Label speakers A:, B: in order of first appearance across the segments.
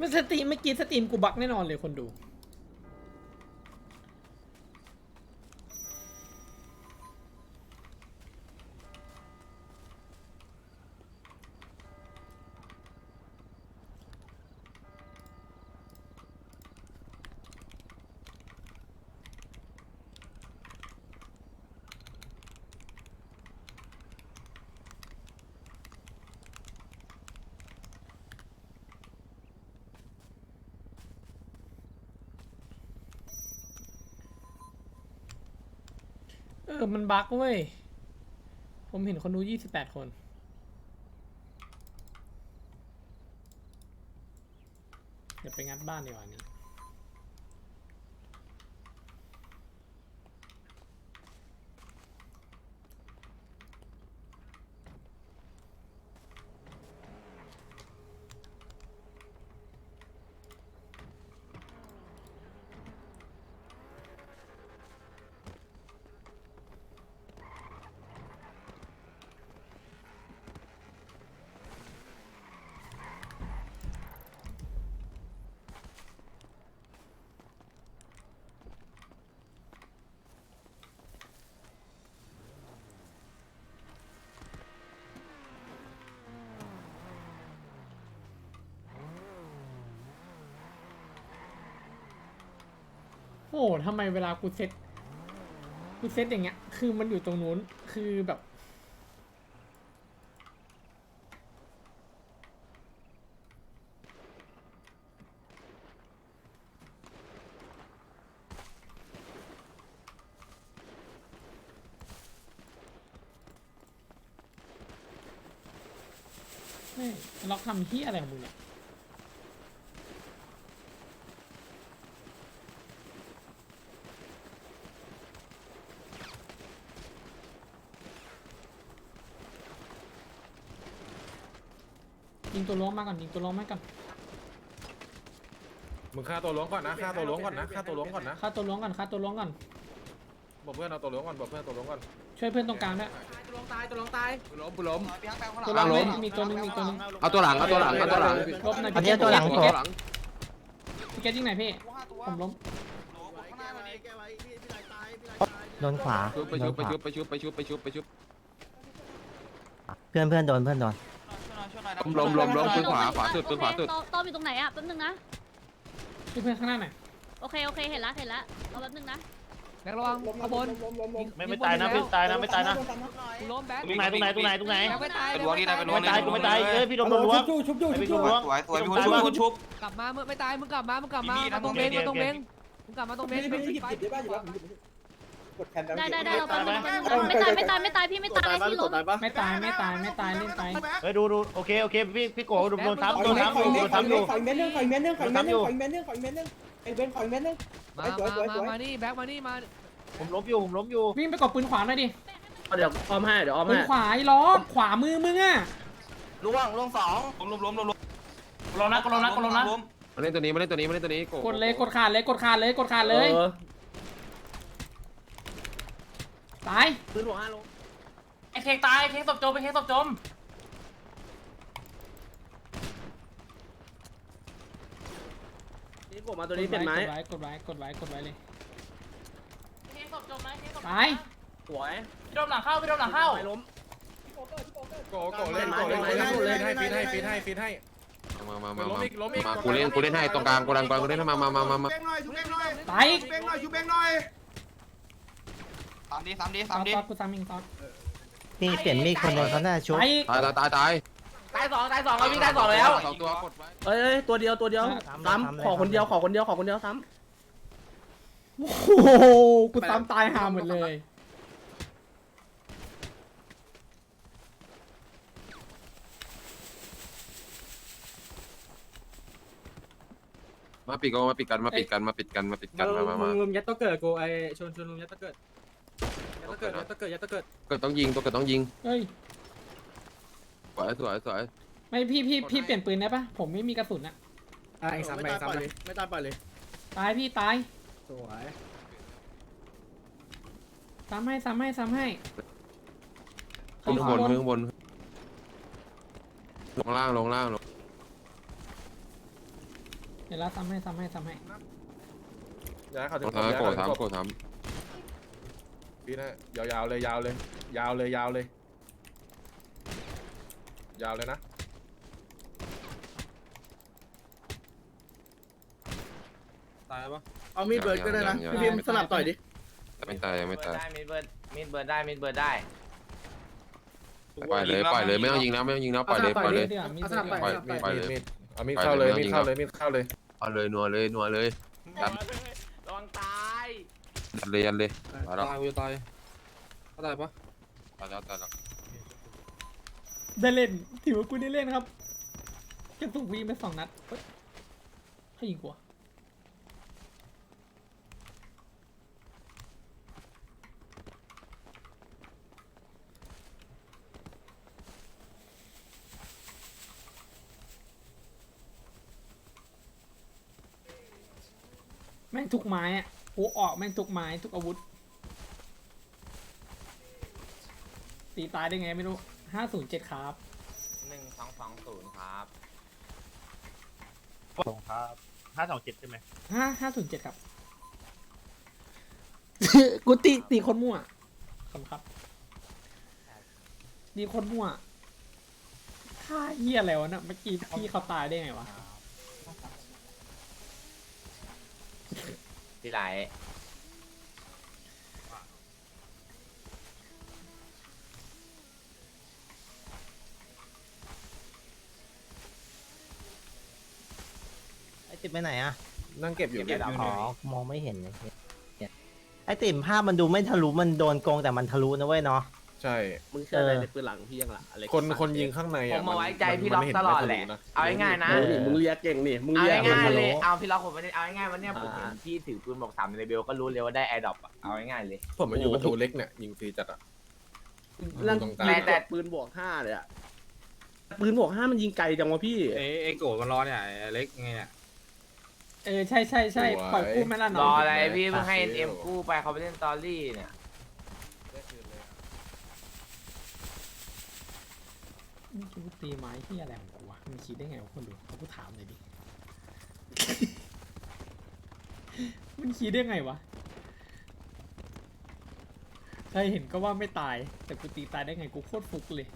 A: ไม่สตรีมไม่กินสตรีมกูบักแน่นอนเลยคนดูมันบั๊กเว้ยผมเห็นคนดู28 คนเดี๋ยวไปงัดบ้านดีกว่านี้โอ้ทำไมเวลากูเซตอย่างเงี้ยคือมันอยู่ตรงนู้นคือแบบไม่ล็อกทำเฮียอะไรของมึงเนี่ยยิงตัวล้วงมาก่อนยิงตัวล้วงมาก่อน
B: มึงฆ่าตัวล้วงก่อนนะฆ่าตัวล้วงก่อนนะฆ่าตัวล้วงก่อนนะ
A: ฆ่าตัวล้วงก่อนฆ่าตัวล้วงก่อน
B: บอกเพื่อนเอาตัวล้วงก่อนบอกเพื่อนตัวล้วงก่อน
A: ช่วยเพื่อนตรงกลางด้วย
C: ตัวลงตายตัวลงตาย
B: ล้มกูล้ม
A: ตัวล้วงไม่มีตัวนึงมีตัวนึง
D: เอาตัวหลังเอาตัวหลังเอาตัวหลัง
A: ลบหน่อย
E: อันนี้ตัวหลัง
A: พี่
E: โผล่
A: เกตพี่เกตยิงไหนพี่ผมล้ม
E: โดนขวา
D: ชุบไป
E: โด
D: ชุ
E: น
D: บ
E: ข
D: ไป
E: วา
D: ชุบไปชุบไปชุบไปชุบไปชุบ
E: เพื่อนโดน
D: ล้มปืนขวาขวาสุดปืนขวาสุด
F: ต้อมอยู่ตรงไหนอ่ะแป๊บนึงนะ
A: ช่วยเพื่อนข้างหน้าหน่อย
F: โอเคเห็นละรอแป๊บนึงนะ
C: แบกระวังขบวน
G: ไม่ตายนะไม่ตายนะไม่ตายนะ
C: กูล้มแบก
G: ตรงไหนแบกไม่ตาย
C: เป็นวงนี่นะเป็นวง
G: ไม่ตายกูไม่ตายเอ้ยพี่โดนล้วงพี่โดนล้วง
D: สวยมีคนชุบ
C: กลับมามึงไม่ตายมึงกลับมามาตรงเบงมาตรงเบงมึงกลับมาตรงเบง
F: ได้เราแป๊บนึงไม่ตายพี่ไม่ตายพี่ล้ม
A: ไม่ตายเล่นไป
G: เฮ้ยดูโอเคพี่โก้โดนทับอยู่
C: มานี่แบกมานี่มา
G: ผมล้มอยู่
A: วิ่งไปกดปืนขวาหน่อยดิ
H: เดี๋ยวอ้อมให้เดี๋ยวอ้อม
A: ปื
H: ให้
A: นขวาไอ้ล้อขวามือมึงอ่ะ
H: ล่วงสอง
G: ล้มนะ
D: มาเล่นตัวนี้มาเล่นตัวนี้มาเล่นตัวนี้
A: กดเลยกดขาดเลยตาย
H: ปืนหัว5 โล
G: ไอ้เค้กตายเค้กศพจมไอ้เค้กศพจม
H: นี่ผมมาตัวนี้เป็นไม้
A: กดไว้เลย
G: เค้กศพจมไหมเค้กศพ
A: ตาย
H: สวย
G: พี่โดนหลังเข้า
H: ไม่ล้ม
B: โกเล่นให้ฟีดให้
D: มากูเล่นให้ตรงกลางกูเล่นให้มา
A: ตาย
H: ซ้ำดิ
A: ตอดกูซ้ำอีกตอด
E: นี่เปลี่ยนมีดคนหนึงเขาน่าชุบ
A: ตาย
D: ตาย
H: ตายสองเราวิ่งตายสองแล้ว
D: สองตัวกดไว้
H: เอ้ยตัวเดียวซ้ำขอคนเดียวซ้ำ
A: โอ้โหกูซ้ำตายห่าหมดเลย
D: มาปิดกันมาปิดกันมา
H: มึงยัดตัวเกิดกูไอชนมึงยัดตัวเกิดยัดตัวเกิด
D: เกิดต้องยิงตัวเกิดต้องยิง
A: เฮ้ย
D: สวย
A: ไม่พี่เปลี่ยนปืนได้ปะผมไม่มีกระสุนอะ
H: ซ้ำเลยไม่ตายไปเลย
A: ตายพี่ตาย
H: สวย
A: ซ้ำให้
D: ข้างบนลงล่าง
A: ดี๋ยวเราซ้ำให้
B: ย้ายเขาถึง
D: โกรธทำโกรธท
B: พี่นะยาวเลยยาวเลยนะ
H: ตายปะ
D: ำ
I: เอามีดเบิร์ดก็ได้นะพี่พิมพ์สลับต่อยดิ
D: ไม่ตายยังไม่ตาย
G: ได้มีดเบิร์ดได้
D: ปล่อยเลยไม่ต้องยิงแล้วปล่อยเลย
A: เดี๋ยวมี
I: เอาสลับต่อย
D: ปล่อย
I: สลับต่อย
D: ปล่อยเลย
B: เอามีดเข้าเลยมีดเข้าเลย
D: เอาเลยนัวเลยยัด
G: ระวังตาย
D: ยัดเลยมาแล้ว
H: ตายกูจะตายเขาตายปะ
D: ตายแล้ว
A: ได้เล่นถือว่ากูได้เล่นครับกระตุกวีไป2 นัดเฮ้ยให้ยิงกูอะแม่งทุกไม้อะกูออกแม่งทุกไม้ทุกอาวุธ ตีตายได้ไงไม่รู้507ครับ
G: 1220ครับ
E: ส่งครับ527ใช่ไหม
A: 507ครับ กูตีคนมั่วขอบคุณครับตีคนมั่วท่าเหี้ยอะไรวะน่ะเมื่อกี้พี่เขาตายได้ไงวะ
G: ที่ไหน
E: ไอ้ติ่มไปไหนอะ
B: นั่งเก็บอยู่
E: อ๋อมองไม่เห็นเลยไอ้ติ่มภาพมันดูไม่ทะลุมันโดนโกงแต่มันทะลุนะเว้ยเนาะ
B: ใช่
I: มึงเชื่ออะไรในปืนหลังพี่ยังล่ะอะไร
B: คนยิงข้างใน
G: ผมมาไว้ใจพี่ล็อกตลอดแหละเอาง่ายๆนะ
I: นี่มึงเรียกเก่งนี่มึง
G: เอา
I: เรียก
G: ง่ายๆ
I: ฮัลโห
G: เล
I: ล
G: ยเอาพี่ล็อกผมไม่ได้เอาง่ายๆวันเนี้ยผมเห็นพี่ถือปืนบอก3ในเบลก็รู้เลยว่าได้แอร์ดรอปอ่ะเอาง่ายๆเลย
B: ผมมาอยู่ประตูเล็กเนี่ยยิงฟรีจัดอ่ะ
I: ร่าง
B: ตรงกลาง
G: แต่
I: ปืนบวก5เลยอะปืนบวก5มันยิงไกลจังวะพี่
H: ไอ้โกรธมันรอเนี่ยไอ้เล็กไงเนี่ย
A: ใช่ปล่อยกู้ไม่ละ
G: ร
A: น้
G: อ
A: อง
G: อะไรพี่เพิ่งให้เอ็มกู้ไปเขาไปเล่นตอรี่เนี่ย
A: นี่กูตีไม้ที่อะไรของกูวะมันคิดได้ไงวะคนดูเขากูถามหน่อยดิ มันคิดได้ไงวะใครเห็นก็ว่าไม่ตาย แต่กูตีตายได้ไงกูโคตรฟุกเลย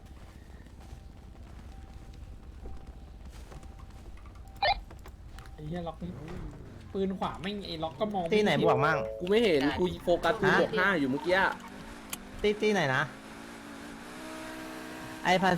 A: ไอ้เหี้ยล็อกปืนขวาไม่งไอ้ล็อกก็มอง
E: ที่ไหน
A: ม่เ
E: บวกมั่ง
I: กูไม่เห็นกูโฟกัสปืนบวก5อยู่เมื่อกี้
E: ที่ไหนนะไอ้